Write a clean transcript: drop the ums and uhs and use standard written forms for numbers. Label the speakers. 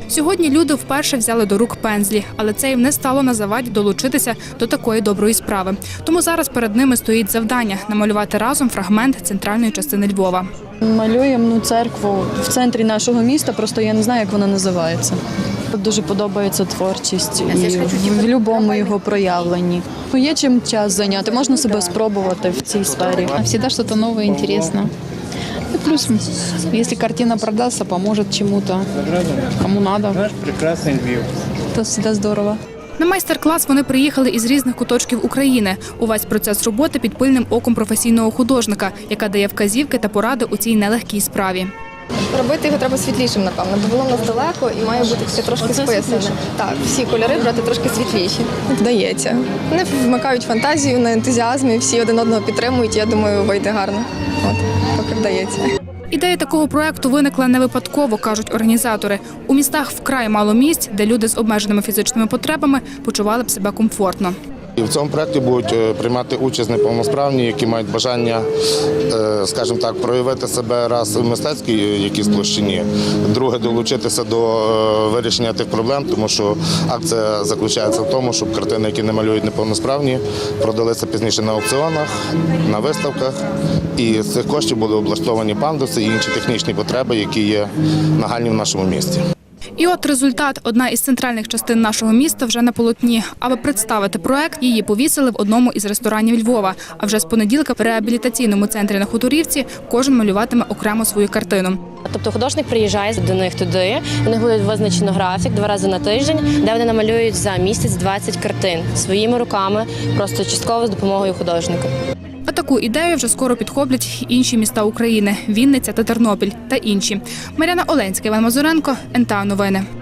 Speaker 1: Сьогодні люди вперше взяли до рук пензлі, але це їм не стало на заваді долучитися до такої доброї справи. Тому зараз перед ними стоїть завдання – намалювати разом фрагмент центральної частини Львова.
Speaker 2: Малюємо церкву в центрі нашого міста, просто я не знаю, як вона називається. Дуже подобається творчість і в будь-якому його проявленні. Є чим час зайняти, можна себе спробувати в цій сфері.
Speaker 3: Всегда что-то новое, интересно. И плюс, если картина продастся, поможет чему-то, кому надо. Это всегда здорово.
Speaker 1: На майстер-клас вони приїхали із різних куточків України. Увесь процес роботи під пильним оком професійного художника, яка дає вказівки та поради у цій нелегкій справі.
Speaker 4: Робити його треба світлішим, напевно, бо воно в нас далеко і має бути все трошки списане. Так, всі кольори брати трошки світліші. Вдається. Вони вмикають фантазію на ентузіазмі, всі один одного підтримують, я думаю, вийде гарно. От, поки вдається.
Speaker 1: Ідея такого проєкту виникла не випадково, кажуть організатори. У містах вкрай мало місць, де люди з обмеженими фізичними потребами почували б себе комфортно.
Speaker 5: І в цьому проєкті будуть приймати участь неповносправні, які мають бажання, скажімо так, проявити себе раз в мистецькій якійсь площині, друге – долучитися до вирішення тих проблем, тому що акція заключається в тому, щоб картини, які не малюють неповносправні, продалися пізніше на аукціонах, на виставках, і з цих коштів були облаштовані пандуси і інші технічні потреби, які є нагальні в нашому місті.
Speaker 1: І от результат. Одна із центральних частин нашого міста вже на полотні. Аби представити проект, її повісили в одному із ресторанів Львова. А вже з понеділка в реабілітаційному центрі на Хуторівці кожен малюватиме окремо свою картину.
Speaker 6: Тобто художник приїжджає до них туди, у них буде визначено графік 2 рази на тиждень, де вони намалюють за місяць 20 картин своїми руками, просто частково з допомогою художника.
Speaker 1: А таку ідею вже скоро підхоплять інші міста України – Вінниця та Тернопіль та інші. Мар'яна Оленська, Іван Мазуренко, НТА Новини.